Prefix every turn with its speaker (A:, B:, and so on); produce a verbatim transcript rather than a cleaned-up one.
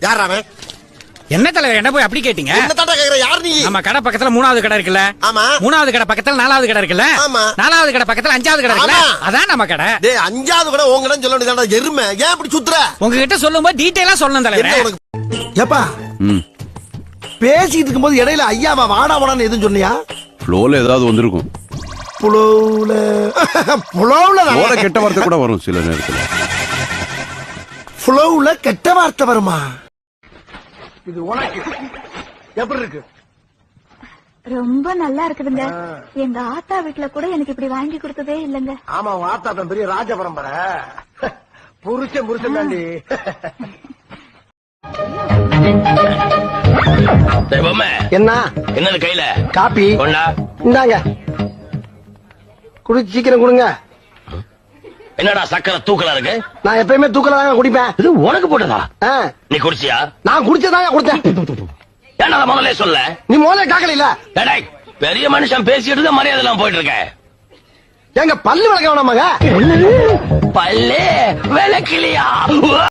A: யார் அவன்?
B: என்ன தலைவர் என்ன போய் அப்படி கேட்டீங்க?
A: என்ன தாண்டா கேக்குற? யார் நீ?
B: நம்ம கடை பக்கத்துல மூணாவது கடை இருக்குல்ல?
A: ஆமா.
B: மூணாவது கடை பக்கத்துல நாலாவது கடை இருக்குல்ல?
A: ஆமா.
B: நாலாவது கடை பக்கத்துல அஞ்சாவது கடை இருக்குல்ல?
A: ஆமா.
B: அதான் நம்ம கடை.
A: டேய் அஞ்சாவது கடை உங்க கடைன்னு சொல்ல வேண்டியதாடா எருமை. ஏன் இப்படி சுத்துற?
B: உங்ககிட்ட சொல்லும்போது டீடைலா சொல்லணும் தலைவர்.
A: என்ன உனக்கு? ஏப்பா பேசிட்டு இருக்கும்போது இடையில ஐயாவா வாடா வாடான்னு எதுவும் சொன்னியா?
C: ஃப்ளோல ஏதாவது வந்திருக்கும்.
A: புலவுல புலவுல
C: ஃப்ளோல கெட்ட வார்த்தை கூட வரும் சில நேரத்துல.
A: புலவுல கெட்ட வார்த்தை வருமா? இது உனக்கு எப்படி இருக்கு?
D: ரொம்ப நல்லா இருக்குதுங்க. எங்க ஆத்தா வீட்டுல கூட எனக்கு இப்படி வாங்கி கொடுத்ததே இல்லங்க.
A: ஆமா உன் ஆத்தா தான் பெரிய ராஜ பரம்பரை. புருஷன் புருஷன் தாண்டி. என்ன
E: என்ன கையில
A: காப்பி
E: கொண்டா
A: இந்தாங்க குடி சீக்கிரம் கொடுங்க.
E: என்னடா சக்கரை தூக்கலா இருக்கு?
A: நான் எப்பயுமே தூக்கல தாங்க குடிப்பேன்.
E: இது உனக்கு போட்டதா?
A: ஆ,
E: நீ குடிச்சியா?
A: நான் குடிச்சதாங்க குடிச்சேன்.
E: ஏன்னா முதல்ல சொல்ல.
A: நீ முதல்ல காக்கல இல்ல.
E: டேய், பெரிய மனுஷன் பேசிட்டு தான் மரியாதை எல்லாம் போயிட்டு இருக்க.
A: எங்க பல்லு விளக்க வேணாமாங்க?
E: பல்லே விளக்கலையா?